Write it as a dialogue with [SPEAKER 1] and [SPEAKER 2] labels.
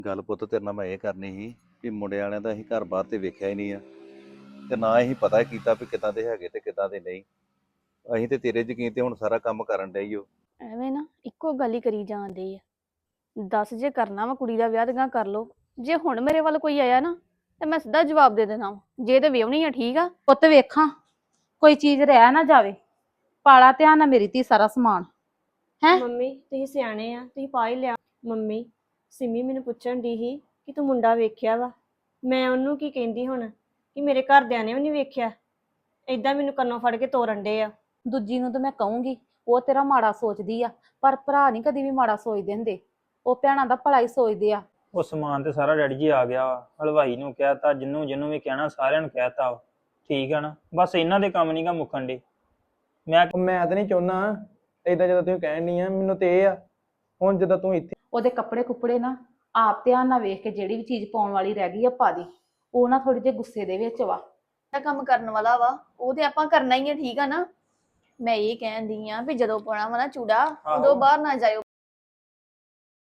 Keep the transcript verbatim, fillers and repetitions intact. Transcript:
[SPEAKER 1] ਗੱਲ ਪੁੱਤ ਤੇਰੇ ਨਾਲ ਮੈਂ ਇਹ ਕਰਨੀ ਸੀ ਵੀ ਮੁੰਡੇ ਵਾਲਿਆਂ ਦਾ ਅਸੀਂ ਘਰ ਬਾਹਰ ਤੇ ਵੇਖਿਆ ਹੀ ਨਹੀਂ ਆ ਤੇ ਨਾ ਅਸੀਂ ਪਤਾ ਕੀਤਾ ਵੀ ਕਿੱਦਾਂ ਦੇ ਹੈਗੇ ਤੇ ਕਿੱਦਾਂ ਦੇ ਨਹੀਂ। ਅਸੀਂ ਤੇ ਤੇਰੇ ਯਕੀਨ ਤੇ ਹੁਣ ਸਾਰਾ ਕੰਮ ਕਰਨ ਡਏ ਈ ਓ।
[SPEAKER 2] ਐਵੇਂ ਨਾ ਇੱਕੋ ਗੱਲ ਹੀ ਕਰੀ ਜਾਂਦੇ ਆ। ਦੱਸ ਜੇ ਕਰਨਾ ਵਾ ਕੁੜੀ ਦਾ ਵਿਆਹ ਤੇ ਗਾਂ ਕਰ ਲੋ। ਜੇ ਹੁਣ ਮੇਰੇ ਵੱਲ ਕੋਈ ਆਇਆ ਨਾ ਤੇ ਮੈਂ ਸਿੱਧਾ ਜਵਾਬ ਦੇ ਦੇਣਾ ਵਾ। ਜੇ ਤੇ ਵਿਆਹਣੀ ਆ ਠੀਕ ਆ।
[SPEAKER 3] ਪੁੱਤ ਵੇਖਾਂ ਕੋਈ ਚੀਜ਼ ਰਹਿ ਨਾ ਜਾਵੇ। ਪਾਲਾ ਧਿਆਨ ਨਾਲ ਮੇਰੀ ਧੀ ਸਾਰਾ ਸਮਾਨ ਹੈ।
[SPEAKER 4] ਮੰਮੀ ਤੁਸੀਂ ਸਿਆਣੇ ਆ, ਤੁਸੀਂ ਪਾ ਹੀ ਲਿਆ। ਮੰਮੀ ਸਿਮੀ ਮੈਨੂੰ ਪੁੱਛਣ ਦੀ ਸੀ ਕਿ ਤੂੰ ਮੁੰਡਾ ਵੇਖਿਆ ਵਾ। ਮੈਂ ਉਹਨੂੰ ਕੀ ਕਹਿੰਦੀ ਹੁਣ ਕਿ ਮੇਰੇ ਘਰਦਿਆਂ ਨੇ ਵੀ ਨਹੀਂ ਵੇਖਿਆ। ਏਦਾਂ ਮੈਨੂੰ ਕੰਨੋਂ ਫੜ ਕੇ ਤੋਰਨ ਡੇ ਆ।
[SPEAKER 3] ਦੂਜੀ ਨੂੰ ਤਾਂ ਮੈਂ ਕਹੂੰਗੀ ਉਹ ਤੇਰਾ ਮਾੜਾ ਸੋਚਦੀ ਆ, ਪਰ ਭਰਾ ਨਹੀਂ ਕਦੀ ਵੀ ਮਾੜਾ ਸੋਚਦੇ ਹੁੰਦੇ। ਉਹ ਭੈਣਾਂ ਦਾ ਭਲਾ ਹੀ ਸੋਚਦੇ ਆ।
[SPEAKER 5] ਉਹ ਸਮਾਨ ਤੇ ਸਾਰਾ ਡੈਡੀ ਜੀ ਆ ਗਿਆ ਵਾ। ਹਲਵਾਈ ਨੂੰ ਕਹਿਤਾ, ਜਿੰਨੂੰ ਜਿੰਨੂੰ ਵੀ ਕਹਿਣਾ ਸਾਰਿਆਂ ਨੂੰ ਕਹਿਤਾ ਵਾ। ਠੀਕ ਆ ਨਾ, ਬਸ ਇਹਨਾਂ ਦੇ ਕੰਮ ਨੀ ਗਾ ਮੁੱਕਣ ਡੇ। ਮੈਂ
[SPEAKER 6] ਮੈਂ ਤਾਂ ਨਹੀਂ ਚਾਹੁੰਦਾ ਏਦਾਂ ਜਦੋਂ ਤੁਸੀਂ ਕਹਿਣ ਨਹੀਂ ਆ। ਮੈਨੂੰ ਤੇ ਇਹ ਆ ਹੁਣ ਜਦੋਂ ਤੂੰ ਇੱਥੇ
[SPEAKER 3] ਉਹਦੇ ਕੱਪੜੇ ਕੁੱਪੜੇ ਨਾ ਆਪ ਧਿਆਨ ਨਾਲ ਵੇਖ ਕੇ ਜਿਹੜੀ ਵੀ ਚੀਜ਼ ਪਾਉਣ ਵਾਲੀ ਰਹਿ ਗਈ ਆ ਪਾ ਦੀ। ਉਹ ਨਾ ਥੋੜੀ ਜਿਹੀ ਗੁੱਸੇ ਦੇ ਵਿੱਚ ਵਾ।
[SPEAKER 2] ਜਿਹੜਾ ਕੰਮ ਕਰਨ ਵਾਲਾ ਵਾ ਉਹ ਤੇ ਆਪਾਂ ਕਰਨਾ ਹੀ ਆ ਠੀਕ ਆ ਨਾ। ਮੈਂ ਇਹ ਕਹਿੰਦੀ ਆ ਵੀ ਜਦੋਂ ਪਾਉਣਾ ਵਾ ਨਾ ਚੂੜਾ ਉਦੋਂ ਬਾਹਰ ਨਾ ਜਾਇਓ।